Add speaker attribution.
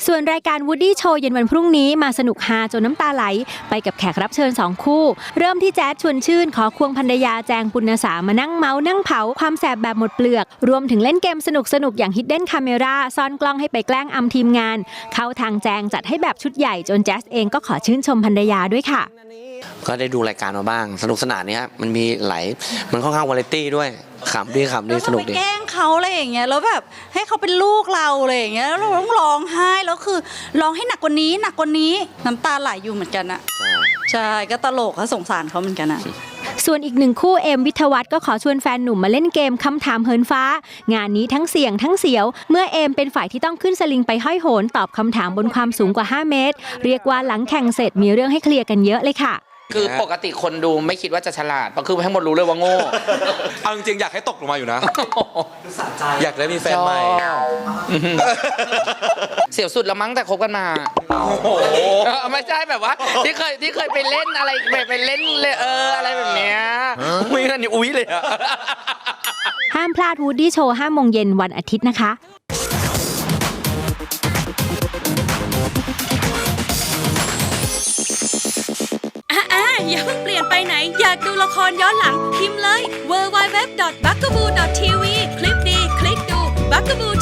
Speaker 1: ส่วนรายการ Woody Show เย็นวันพรุ่งนี้มาสนุกฮาจนน้ำตาไหลไปกับแขกรับเชิญ2คู่เริ่มที่แจ๊ดชวนชื่นขอควงภรรยาแจงปุณณสามานั่งเมานั่งเผาความแสบแบบหมดเปลือกรวมถึงเล่นเกมสนุกอย่าง Hidden Camera ซ่อนกล้องให้ไปแกล้งอำทีมงานเข้าทางแจงจัดให้แบบชุดใหญ่จนแจ๊สเองก็ขอชื่นชมภรรยาด้วยค่ะ
Speaker 2: ก็ได้ดูรายการมาบ้างสนุกสนานเนี่ยมันมีมันค่อนข้างวาไรตี้ด้วยขำดีสนุกดี
Speaker 3: ไปแกล้งเขาอะไรอย่างเงี้ยแล้วแบบให้เขาเป็นลูกเราอะไรอย่างเงี้ยแล้วเราต้องร้องไห้แล้วคือร้องให้หนักกว่านี้น้ำตาไหลอยู่เหมือนกันอะใช่ก็ตลกก็สงสารเขาเหมือนกันอะ
Speaker 1: ส่วนอีกหนึ่งคู่เอมวิทวัฒน์ก็ขอชวนแฟนหนุ่มมาเล่นเกมคำถามเหินฟ้างานนี้ทั้งเสี่ยงทั้งเสียวเมื่อเอมเป็นฝ่ายที่ต้องขึ้นสลิงไปห้อยโหนตอบคำถามบนความสูงกว่า5 เมตรเรียกว่าหลังแข่งเสร็จมีเรื่องให้เคลียร์กันเยอะเลยค่ะ
Speaker 4: คือปกติคนดูไม่คิดว่าจะฉลาดเพราะคือทั้งหมดรู้เลยว่าโง่
Speaker 5: เอาจริงๆอยากให้ตกลงมาอยู่นะอยากได้มีแฟนใหม่
Speaker 4: เสียวสุดแล้วมั้งแต่คบกันมาไม่ใช่แบบว่าที่เคยไปเล่นอะไรไปเล่นเลยอะไรแบบเนี้ยไม่งั้นนี่อุ้ยเลย
Speaker 1: ห้ามพลาด Woody Show 5 โมงเย็นวันอาทิตย์นะคะ
Speaker 6: อย่าเพิ่งเปลี่ยนไปไหนอยากดูละครย้อนหลังพิมพ์เลย www.bugaboo.tv คลิปดีคลิกดู Bugaboo